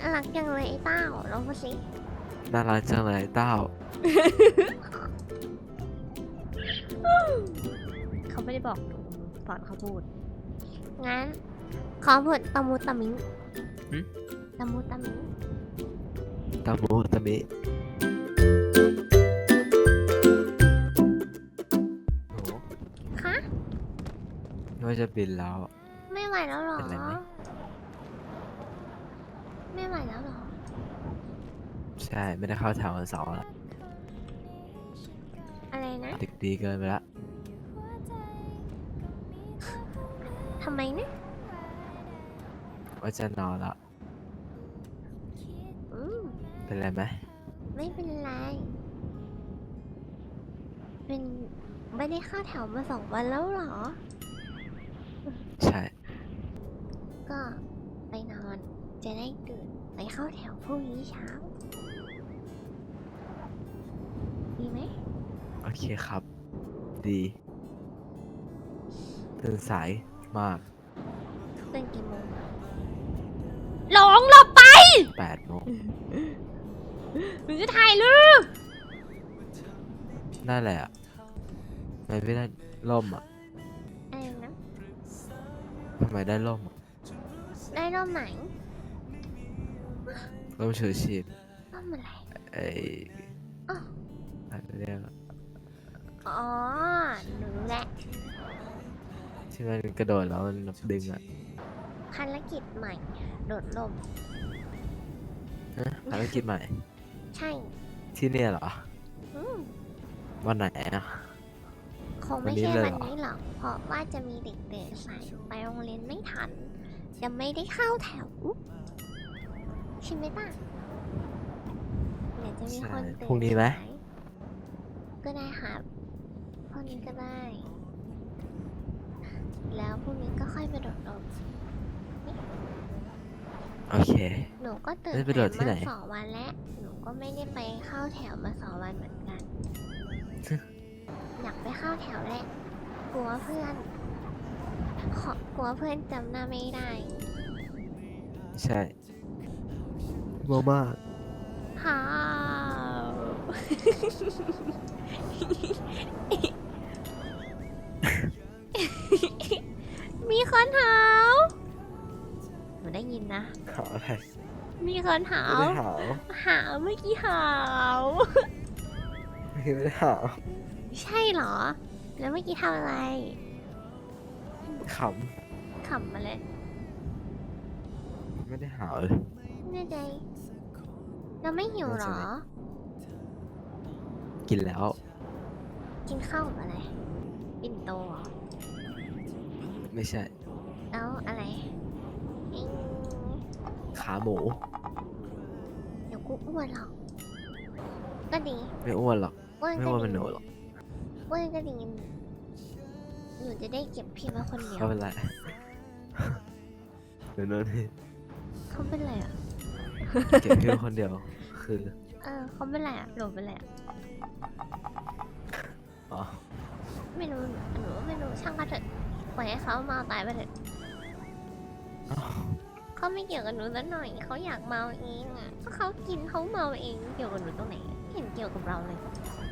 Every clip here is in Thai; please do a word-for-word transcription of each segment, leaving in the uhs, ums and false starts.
น่ารักจังเลยไอ้เต้าลองพูดสิน่ารักจังเลยเต้าเขาไม่ได้บอกหนูสอนเขาพูด งั้นขอพูดตะมูตะมิงหึตะมูตะมิงตามูตามิหนูคะไม่ว่าจะบินแล้วไม่ไหวแล้วเหรอเป็นไรไหมไม่ไหวแล้วเหรอใช่ไม่ได้เข้าแถววันเสาร์แล้วอะไรนะดึกดีเกินไปละทำไมนะว่าจะนอนละอืมเป็นไรไหมไม่เป็นไร เป็นไม่ได้เข้าแถวมาสองวันแล้วเหรอใช่ก็ไปนอน จะได้ตื่นไปเข้าแถวพรุ่งนี้เช้า ดีไหมโอเคครับ ดีตื่นสายมากตื่นกี่โมงหลงหลบไปแปดโมงหนูจะถ่ายรูปนั่นแหละทำไมไม่ได้ร่มอ่ะอะไรนะทำไมได้ร่มอะได้ร่มไหนร่มชูชีพร่มอะไรไอ้อ๋ออะไรเรียกอะอ๋อ หนูรู้แหละที่มันกระโดดแล้วมันดึงอ่ะภารกิจใหม่ โดดร่มฮะภารกิจใหม่ใช่ที่เนี่ยเหรออืมวันไหนอ่ะคงไม่วันนี้ใช่เลยวันเหรอนี้หรอก เพราะว่าจะมีเด็กเดินสายไปโรงเรียนไม่ทัน จะไม่ได้เข้าแถวใช่ไหมป้าเดี๋ยวจะมีใช่คนตื่นพรุ่งนี้ไหมสายก็ได้ครับพรุ่งนี้ก็ได้ แล้วพรุ่งนี้ก็ค่อยไปโดดร่มโอเคหนูก็ตื่นแล้วไปโดดที่ไหนมาสองวันแล้ว หนูก็ไม่ได้ไปเข้าแถวมาสองวันเหมือนกัน อยากไปเข้าแถวแหละ กลัวเพื่อนขอกลัวเพื่อนจำหน้าไม่ได้ใช่โมมากฮ่าว มีคนหาวหนูได้ยินนะหาวอะไรมีคนหาไม่วได้หาวหาวเมื่อกี้หาวไม่ได้หาวใช่เหรอ แล้วเมื่อกี้ทำอะไรขขำมาเลยำไม่ได้หาวเลยแน่ใจเราไม่หิวเหรอกินแล้วกินข้าวกับอะไร ปิ่นโตเหรอไม่ใช่แล้วอะไรอิ๊งขาหมูเดี๋ยวกูอ้วนหรอก ก็ดีไม่อ้วนหรอกอ้วนไม่ก็อ้วนดีเป็นหนูหรอกอ้วนก็ดีหนูจะได้เก็บพี่มาคนเดียวเขาเป็นไรเดี๋ยวโน่นนี่เขาเป็นไรอ่ะเก็บพี่ไว้คนเดียว คือเออเขาเป็นไรอ่ะหนูเป็นไรอ่ะอ๋อไม่รู้หนูไม่รู้ช่างเขาเถอะปล่อยให้เขาเมาตายไปเถอะอ้าวเขาไม่เกี่ยวกับหนูสักหน่อยเขาอยากเมาเองอ่ะก็เขากินเขาเมาเองเกี่ยวกับหนูตรงไหนไม่เห็นเกี่ยวกับเราเลย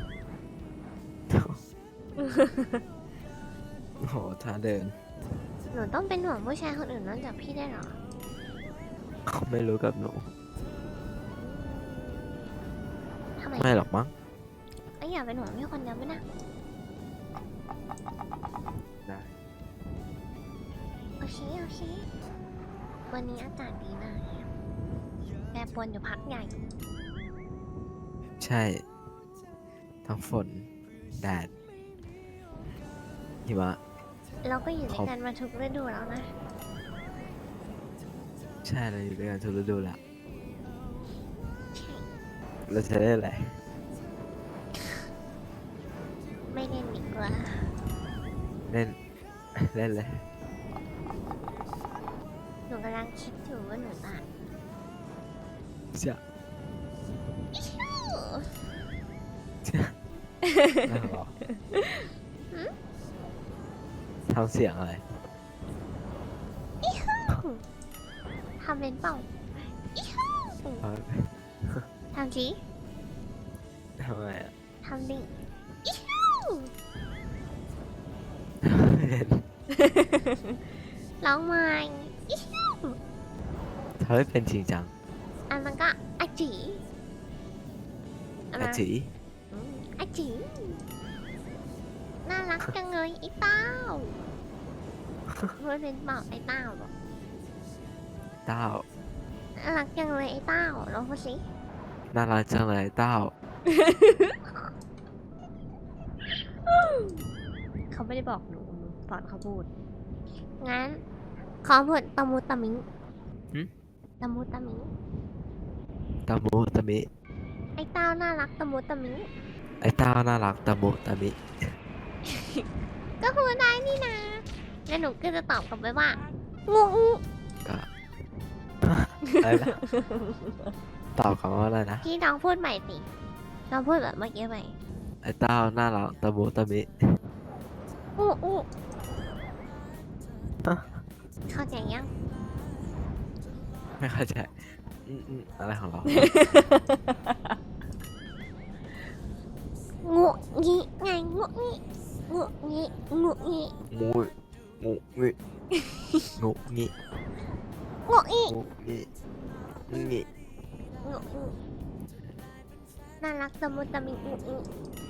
โอ้โหท่าเดินหนูต้องเป็นห่วงผู้ชายคนอื่นนอกจากพี่ได้เหรอเขาไม่รู้กับหนูทำไมไม่หรอกมั้งไม่อยากเป็นห่วงพี่คนเดียวไหมนะได้โอเคโอเควันนี้อากาศดีมากเลยอะแปรปรวนอยู่พักใหญ่ใช่ ทั้งฝน แดด หิมะเราก็อยู่คด้รัวยบกันมาทุกฤดูแล้วนะใช่เราอยู่ด้วยกันทุกฤดูแหละใช่เราจะได้อะไรไม่เล่นดีกว่าเล่น เล่นเลยหนูกำลังคิดอยู่ว่าหนูอ่ะจะ น่าหรอทำเสียงอะไรทำเป็นเปล่าอิฮูเอาทำสิทำไมอ่ะทำดิอิ๊วเห็นร้องใหม่อิ๊วทำให้เป็นจริงจังอันนั้นก็อาจีอันอานั้นจีอืมอาจีน่ารักจังเลยไอ้เต้ารู้เป็นเปล่าไอ้เต้าหรอเต้าน่ารักจังเลยไอ้เต้าลองพูดสิน่ารักจังเลยเต้าเขาไม่ได้บอกหนูหนูสอนเขาพูด งั้น ขอพูดตะมุตะมิงหึตะมุตะมิงตะมุตะมิไอ้เต้าน่ารักตะมุตะมิงไอ้เต้าน่ารักตะมุตะมิก็พูดได้นี่นะแล้วหนูก็จะตอบกลับไปว่างูงูก็ อะไรนะตอบคำว่าอะไรนะพี่น้องพูดใหม่สิน้องพูดแบบเมื่อกี้ใหม่ไอ้เต้าน่ารักตะมุตะมิงูงูฮะเข้าใจยังไม่เข้าใจอืมอืมอะไรของเรางูงี้ไงงูงี้งูงี้งูงี้งูงูงิงูงิงูงี้งูงิงิงูงี้น่ารักตะมุตะมิงูงี้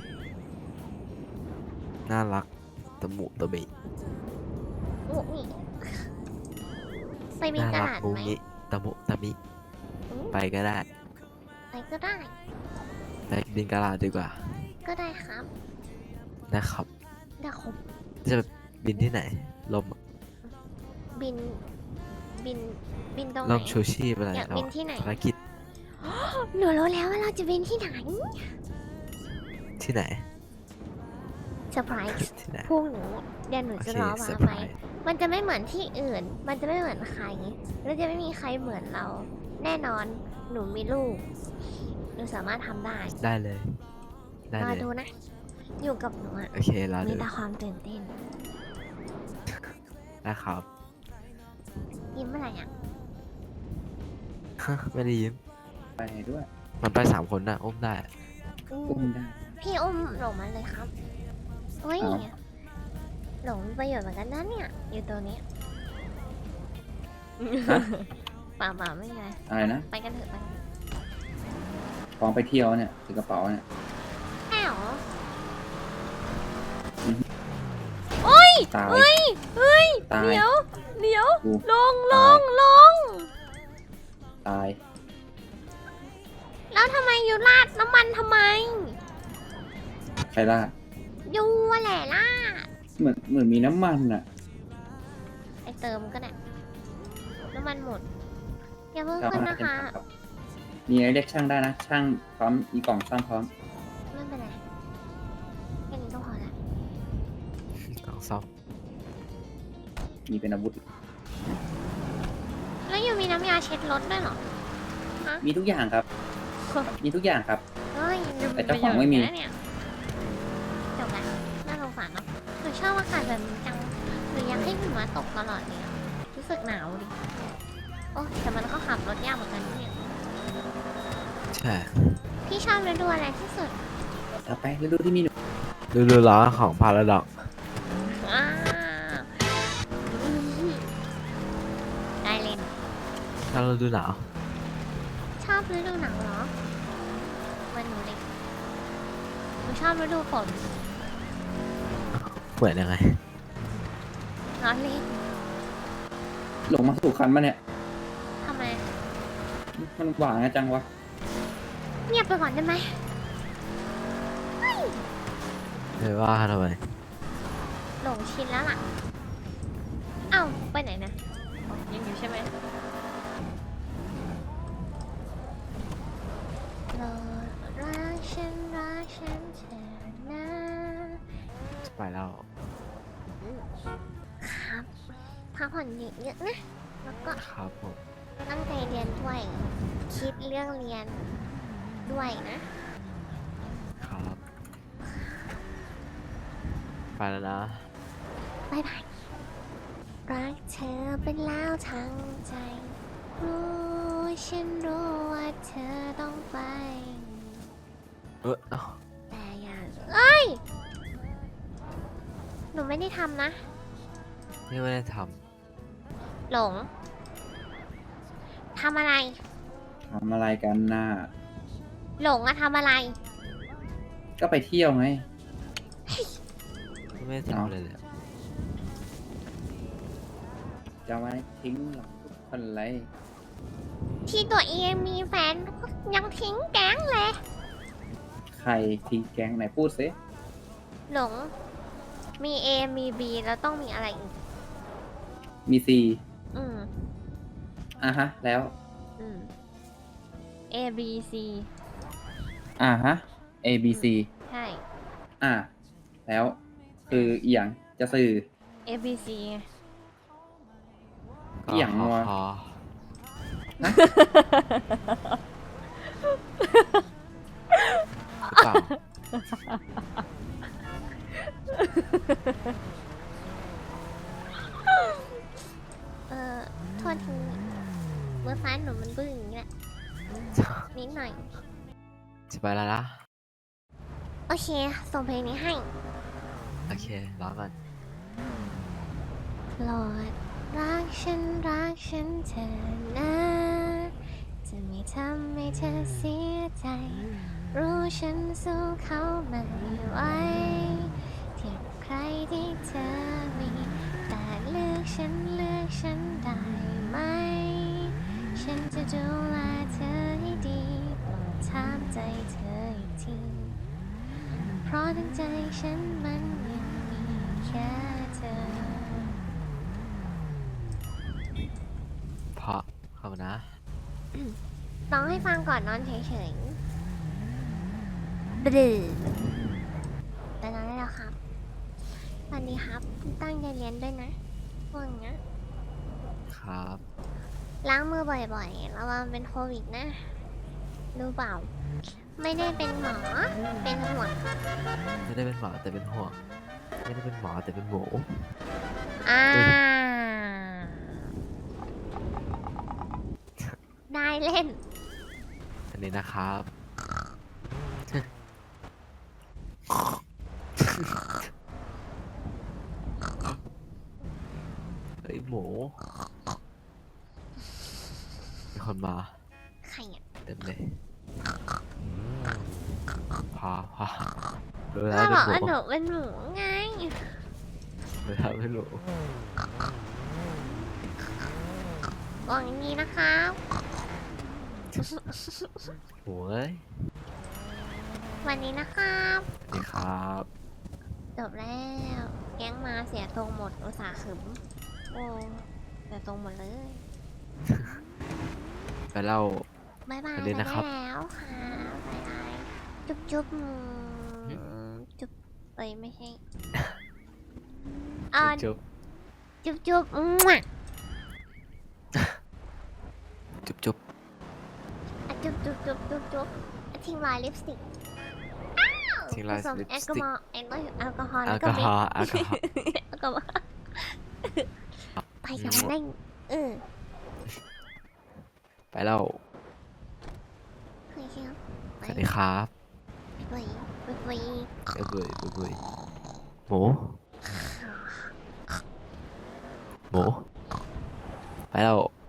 น่ารักตะมุตะมิงูงี้ไปมีน่ากระรักดาษงูไหมงิตะมุตะมิอืมไปก็ได้ไปก็ได้ไปบินกะลาดีกว่าก็ได้ครับนะครับเดี๋ยวผมจะบินที่ไหน ลมบิน บิน บินตรงไหลนมชูชีพอะไรอยากเราบินที่ไหนภารกิจหนูรู้แล้วว่าเราจะบินที่ไหนที่ไหนเซอร์ไพรส์ที่ไหนพรุ่งนี้เดี๋ยวหนูโอจะเครอเซมาอร์ไพไปรส์มันจะไม่เหมือนที่อื่น มันจะไม่เหมือนใคร แล้วจะไม่มีใครเหมือนเรา แน่นอน หนูมีลูก หนูสามารถทำได้ได้เลย ได้รอเลยดูนะ อยู่กับหนูอะโอเครอมีดูแต่ความตื่นเต้นนะครับยิ้มอะไรอ่ะฮะไม่ได้ยิ้มไปด้วยมันไปสามคนนะอุ้มได้อืมอุ้มได้พี่อุ้มหลงมาเลยครับเฮ้ยอ้าวหลงมีประโยชน์เหมือนกันนะเนี่ย อยู่ตัวนี้ฮะเปล่าเปล่าไม่มีอะไรอะไรนะไปกันเถอะไปกันเถอะพร้อมไปเที่ยวเนี่ยถือกระเป๋าเนี่ยใช่หรอตายเฮ้ย เฮ้ยตายเดี๋ยว เดี๋ยวกูลงลตายงลงตายแล้วทำไมอยู่ราดน้ำมันทำไมใครล่ายูอะแหละล่าดเหมือนเหมือนมีน้ำมันอ่ะไปเติมก็ได้ น้ำมันหมด อย่าเพิ่งจะเอาขึ้นมานะเป็นคะผักครับมีอะไรเรียกช่างได้นะ ช่างพร้อมมีกล่องซ่อมพร้อมไม่เป็นไรแค่นี้ก็พอละต้องซ่อมมีเป็นอาวุธแล้วยูมีน้ำยาเช็ดรถด้วยเหรอมีทุกอย่างครับ มีทุกอย่างครับเฮ้ยแต่เจ้าของไม่มีประโยชน์อยู่นะเนี่ยจบแล้วน่าสงสารเนาะหนูชอบอากาศแบบนี้จังหนูอยากให้หิมะตกตลอดเลยอะรู้สึกหนาวดิ โอ้แต่มันก็ขับรถยากเหมือนกันเนี่ยใช่พี่ชอบฤดูอะไรที่สุดเอาไปฤดูที่มีหนูดูดูล้อของพาราดอกอ่าได้เลยถ้าเราดูหนาวชอบฤดูหนาวเหรอมันหนูเลยหนูชอบฤดูฝนเหมือนยังไงร้อนเล่นหลงมาสู่คันมาเนี่ยทำไมมันหวานนะจังวะเงียบไปก่อนได้ไหมไม่ว่าทำไมหลงชินแล้วล่ะ เอ้าไปไหนนะอ๋อยังอยู่ใช่ไหมโปรดรักฉันรักฉันเถอะนะจะไปแล้วครับพักผ่อนเยอะๆนะ แล้วก็ครับผมตั้งใจเรียนด้วย คิดเรื่องเรียนด้วยนะครับ ไปแล้วนะบายบาย รักเธอเป็นแล้วทั้งใจ รู้ฉันรู้ว่าเธอต้องไปเออเอ้าแต่อย่าเอ้ย หนูไม่ได้ทำนะพี่ไม่ได้ทหลง ทำอะไรทำอะไรกันน่ะหลงอะทำอะไรก็ไปเที่ยวไงำพี่ไม่ได้ทำอะไรเลยจะไม่ทิ้งหรอกทุกคนเลยที่ตัวเองมีแฟนยังทิ้งแก๊งเลยใครทิ้งแก๊งไหนพูดซิหลง มี A มี B แล้วต้องมีอะไรอีกมีซีอืมอ่ะฮะ แล้วอืม A B C อ่ะฮะ A B C ใช่อ่ะแล้วคืออีหยังจะสื่อ A B C ไงอีหยังงัวพอฮะหรือเปล่าเออโทษทีเมื่อฟ้าหนูมันบึ้งอย่างนี้แหละ นิดหน่อยจะไปแล้วนะโอเค ส่งเพลงนี้ให้โอเครอก่อนโปรดรักฉันรักฉันเธอนะ จะไม่ทำให้เธอเสียใจ รู้ฉันสู้เขาไม่ไหวเทียบใครที่เธอมี แต่เลือกฉันเลือกฉันได้ไหม ฉันจะดูแลเธอให้ดีโปรดถามใจเธออีกที เพราะทั้งใจฉันมันยังมีแค่เธอเพราะขอบคุณนะร้องให้ฟังก่อนนอนเฉยๆบดื้อแต่นอนได้แล้วครับสวัสดีครับ ตั้งใจเรียนด้วยนะพวกเนี้ยครับล้างมือบ่อยๆ ระวังเป็นโควิดนะ รู้เปล่า ไม่ได้เป็นหมอ เป็นห่วงไม่ได้เป็นหมอแต่เป็นห่วง ไม่ได้เป็นหมอแต่เป็นหมูอ่าเฮ้ยได้เล่นอันนี้นะครับ เฮ้ยหมูมีคนมาใครอ่ะเต็มเลยพอพอรู้แล้ก็วบอกเป็ว่านหหนูมูเป็นหมูไงรู้แล้วเป็นหมูบอกอย่างนี้นะครับหมูเอ้ยวันนี้นะครับสวัสดีครับจบแล้ว แก๊งมาเสียตรงหมดอุตส่าห์ขึมโอ้เสียตรงหมดเลยไปเล่าบายบายสวัสดีนะครับไปได้แล้วค่ะบายบายจุ๊บจุ๊บอืมจุ๊บเอ้ยไม่ใช่เอ่าจุ๊บจุ๊บจุ๊บมั่วจุ๊บจุ๊บอ่ะจุ๊บจุ๊บจุ๊บจุ๊บจุ๊บอ่ะทิ้งรอยลิปสติกทิ้งลายผสมลิปแอลสกอติกฮอล์แอลกอฮอล์แอลกอฮอล์แอแล้วลก็กอเบฮรอล์แอลกอฮอล์แอลกอฮอล์ไปกันได้เออไปเล่าเคยครับสวัสดีครับไปไปไปเอ้ยเบื่อเบื่อเบื่อหมู หมู ไปเล่า